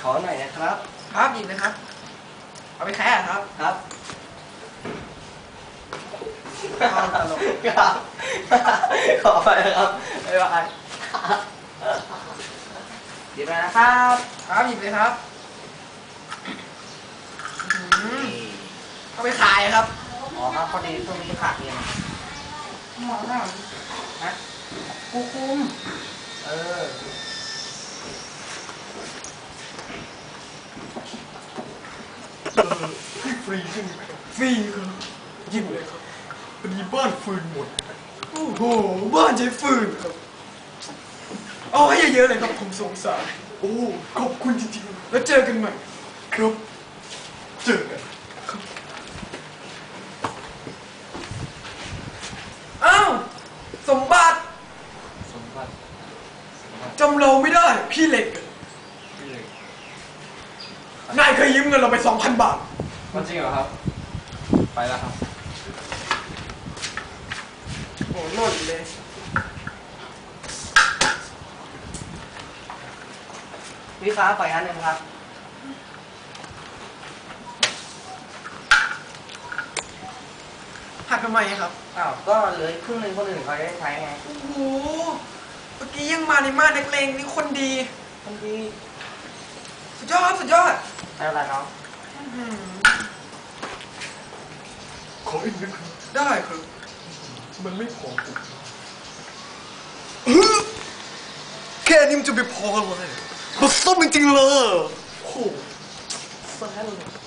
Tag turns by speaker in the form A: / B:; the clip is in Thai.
A: อหน่อยนะครับ
B: ครับหยิบเลยครับเอาไปแค่ครับ
A: ครับ
B: ครับ
A: ขอไปครับบ๊ายบายหยิบเลยนะครับ
B: ครับหยิบเลยครับเอาไปขายครับ
A: อ๋อครับพอดีช่วงนี้ขาดเงิน
B: มองหน้า
A: ฮะกูคุม
C: ให้ฟรีใช่ไหมครับฟรีครับหยิบเลยครับพอดีบ้านฟืนหมดโอ้โหบ้านใช้ฟืนครับเอาให้เยอะๆเลยครับผมสงสารโอ้ขอบคุณจริงๆแล้วเจอกันใหม่ครับเจอกันครับ
B: อ้าวสมบัติจำเราไม่ได้พี่เล็กนายเคยยืมเงินเราไป 2,000 บาท
A: มันจริงเหรอครับไปแล้วครับ
B: โอ้หล่นเลย
A: พี่ค้าปล่อยอันหนึ่งครับ
B: หักทำไมครับ
A: อ้าวก็เหลือครึ่งหนึ่งคนอื่นเขาได้ใช้ไง
B: โอ้โหเมื่อกี้ยังมาในมาดนักเลงนี่คนดีสุดยอดสุดยอด
A: ได้แล้วเนาะ
C: ขออีกนะครับ
B: ได้ครับ
C: มันไม่พอปุ๊บแค่นี้มันจะไปพอเลยมันส้มจริงๆเลยโอ้โหแซ่เลย